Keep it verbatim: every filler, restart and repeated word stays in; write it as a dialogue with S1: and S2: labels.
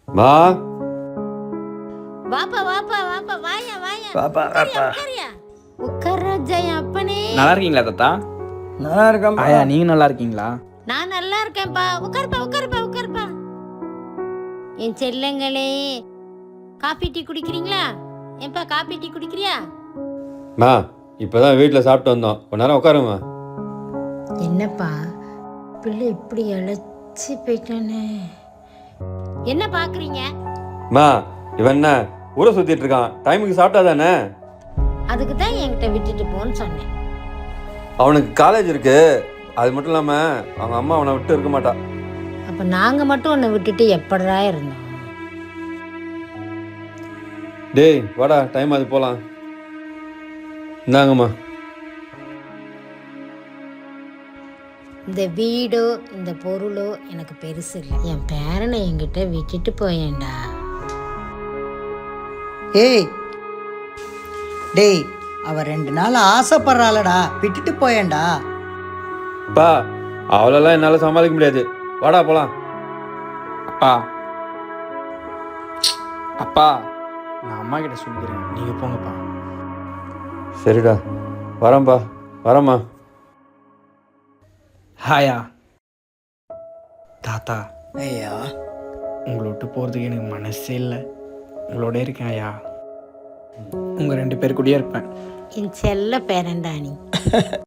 S1: மா
S2: வாப்பா வாப்பா வாப்பா வாயா வாயா
S3: பாப்பா பாப்பா
S2: உட்காரியா உட்கார ஜெயம் அப்பனே.
S4: நல்லா இருக்கீங்களா தாத்தா?
S3: நல்லா இருக்கேன்
S4: ஆயா நீங்க நல்லா இருக்கீங்களா?
S2: நான் நல்லா இருக்கேன்ப்பா. உட்காருப்பா உட்காருப்பா உட்காருப்பா. என் செல்லங்களே, காபி டீ குடிக்கிறீங்களா? ஏன்பா காபி டீ குடிக்கிறியா?
S1: மா இப்போதான் வீட்டில் சாப்பிட்டு வந்தோம், கொஞ்ச நேரம் உட்காருமா.
S2: என்னப்பா பிள்ளை இப்படி இழைச்சி போயிட்டானே. என்ன பாக்குறீங்க?
S1: மா இவன் என்ன ஊரை சுத்திட்டு இருக்கான், டைமுக்கு சாப்பிட்டா தானே.
S2: அதுக்கு தான் என்கிட்ட விட்டுட்டு போன்னு சொன்னேன்.
S1: அவனுக்கு காலேஜ் இருக்கு, அது மட்டும் இல்லாம அவங்க அம்மா அவனை விட்டு இருக்க மாட்டா.
S2: அப்ப நாங்க மட்டும் உன்னை விட்டுட்டு எப்படா இருந்தோம்?
S1: டேய் வாடா, டைம் அது போலாம். இந்தாங்கம்மா.
S2: இந்த வீடோ இந்த பொருளோ எனக்கு பெருசு இல்லை. என் பேரனை என்கிட்ட விட்டுட்டு போயேன்டா.
S3: ஏய் டேய், அவ ரெண்டு நாள் ஆசைப்படுறாளடா, விட்டுட்டு போயேன்டா.
S1: பா அவளெல்லாம் என்னால் சமாளிக்க முடியாது, வாடா போலாம்.
S4: அப்பா அப்பா நான் அம்மா கிட்ட சொல்லிக்கிறேன், நீங்க போங்கப்பா.
S1: சரிடா, வரேன்ப்பா, வரேம்மா.
S4: ஹாயா தாத்தா,
S3: ஐயா
S4: உங்களை விட்டு போகிறதுக்கு எனக்கு மனசே இல்லை. உங்களோட இருக்கேன் ஐயா, உங்கள் ரெண்டு பேர் கூடயே இருப்பேன்.
S2: என் செல்ல பேரன்டா நீ.